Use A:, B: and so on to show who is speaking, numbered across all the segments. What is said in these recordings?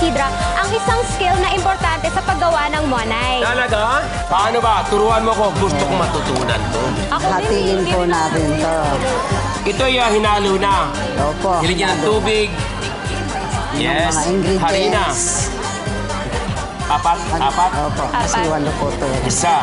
A: Isidra ang isang skill na importante sa paggawa ng monay.
B: Talaga? Paano ba? Turuan mo ko. Gusto kong matutunan to.
A: Ako
C: Hatiin
A: hindi
C: po
A: rin ako-
C: natin to.
B: Ito yung hinalo na.
C: Opo.
B: Nilagyan ng tubig. Yes.
C: Mga ingredients.
B: Harina. Apat.
C: Opo. Kasi
A: Apat.
C: walo po to.
B: Isa.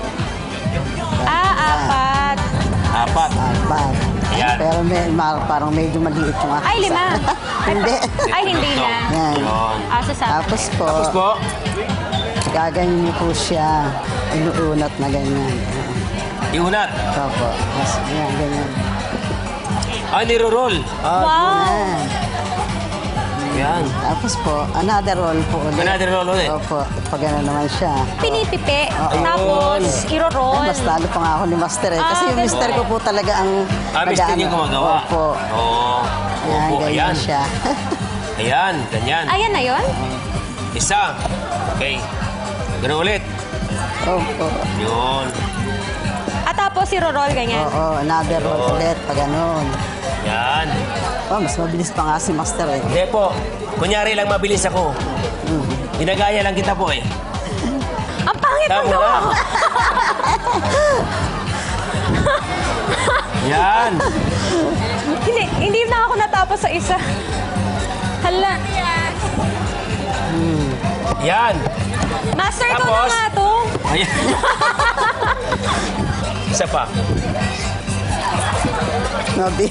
A: Apat.
B: Apat.
C: Apat.
B: Ayan.
C: Pero parang medyo maliit yung aking
A: Ay, 5.
C: isa. Hindi.
A: Ay, hindi na.
C: Yan.
B: Yun.
C: Tapos po,
B: Tapos po,
C: gaganyan niyo po siya. Inuunat na ganyan.
B: iunat.
C: Opo. Tapos, yan, ganyan.
B: Niro-roll.
A: Wow.
C: Yan.
B: Yan.
C: Tapos po, another roll po ulit.
B: Another roll ulit.
C: Opo. Pag ano naman siya.
A: Pinipipi.
B: Ayun.
A: Tapos,
C: Ay,
A: iro-roll.
C: mas talo pa nga ako ni Master eh. Kasi yung
A: ganun.
C: Mister ko po talaga ang
B: Mister yung gumagawa.
C: Opo.
B: Oo.
C: Yan,
B: Opo,
C: ganyan
B: ayan.
C: siya.
B: Ayan, ganyan.
A: Ayan na yun?
B: Isa. Okay. Ganun ulit.
C: Opo.
B: Yun.
A: At tapos, iro-roll ganyan.
C: Oo, another roll ulit. Pag ganun.
B: Yan.
C: Oh, mas mabilis pa nga si Master eh.
B: Hindi po. Kunyari lang mabilis ako. Ginagaya lang kita po eh.
A: Ang pangit mo
B: Tama
A: no?
B: na. Yan.
A: Hindi na ako natapos sa isa. Hala.
B: Yan.
A: Master, ikaw na
B: Tapos?
A: nga to.
B: Ayan. Isa pa.
C: Nabi.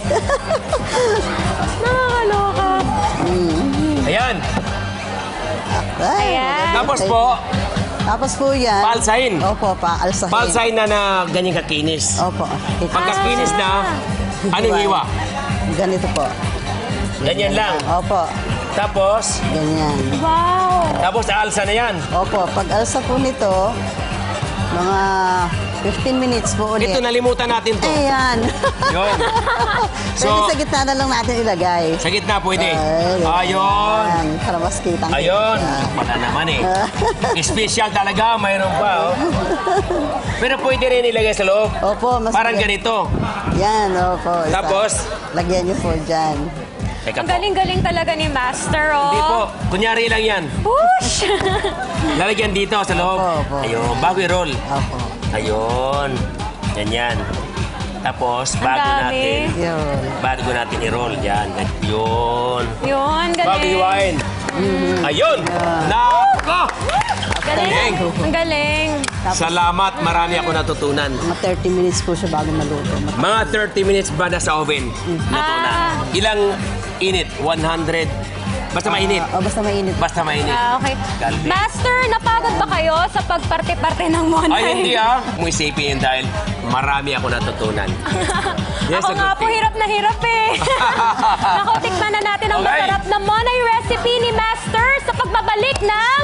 A: Nakakaloka.
B: Ayan.
C: Ay,
A: Ayan.
B: Tapos po,
C: Tapos po yan.
B: Palsahin.
C: Opo, paalsahin.
B: palsay na ganyan kakinis.
C: Opo.
B: Pagkakinis na, anong hiwa?
C: Ganito po.
B: Ganyan lang.
C: Opo.
B: Tapos,
C: Ganyan.
A: Wow.
B: tapos alsa na yan.
C: Opo, pag alsa po nito, mga 15 minutes po ulit.
B: Ito, nalimutan natin to.
C: Ayan.
B: Yun.
C: Pwede
B: So,
C: sa gitna na lang natin ilagay.
B: sa gitna pwede.
C: Ay,
B: Ayun.
C: ayan. Para mas kitang
B: Ayun. Wala naman eh. Special talaga, mayroon pa. Oh. Pero pwede rin ilagay sa loob.
C: Opo, mas
B: Parang ganito.
C: Yan, opo. Isa.
B: Tapos?
C: Lagyan niyo po dyan.
B: Teka
A: Ang
B: po.
A: galing-galing talaga ni Master, oh.
B: Hindi po. Kunyari lang yan.
A: Push!
B: Lalagyan dito sa loob.
C: Opo, opo.
B: Ayun. Bago i-roll.
C: Opo.
B: Ayun. Ganyan. Tapos,
A: Ang
B: bago
A: dami.
B: natin.
C: Yun.
B: Bago natin i-roll. Yan. Yun.
A: Yun,
B: Bago
A: galing.
B: iwain. Ayun. Nako!
A: Galing. Ang galing.
B: Salamat. Marami ako natutunan.
C: Mga 30 minutes po siya bago maluto.
B: Mga 30 minutes ba na sa oven? Luto na. Ilang init? 100? Basta mainit.
C: Basta mainit.
B: Basta mainit.
A: Okay.
B: Galing.
A: Master, napagod ba kayo sa pagparte-parte ng monay?
B: Ay, hindi ah. Kung isipin yun dahil marami ako natutunan. Yes,
A: Ako nga
B: a good
A: po
B: thing.
A: hirap na hirap eh. Naku, tikman na natin ang
B: Okay.
A: masarap na monay recipe ni Master sa pagbabalik ng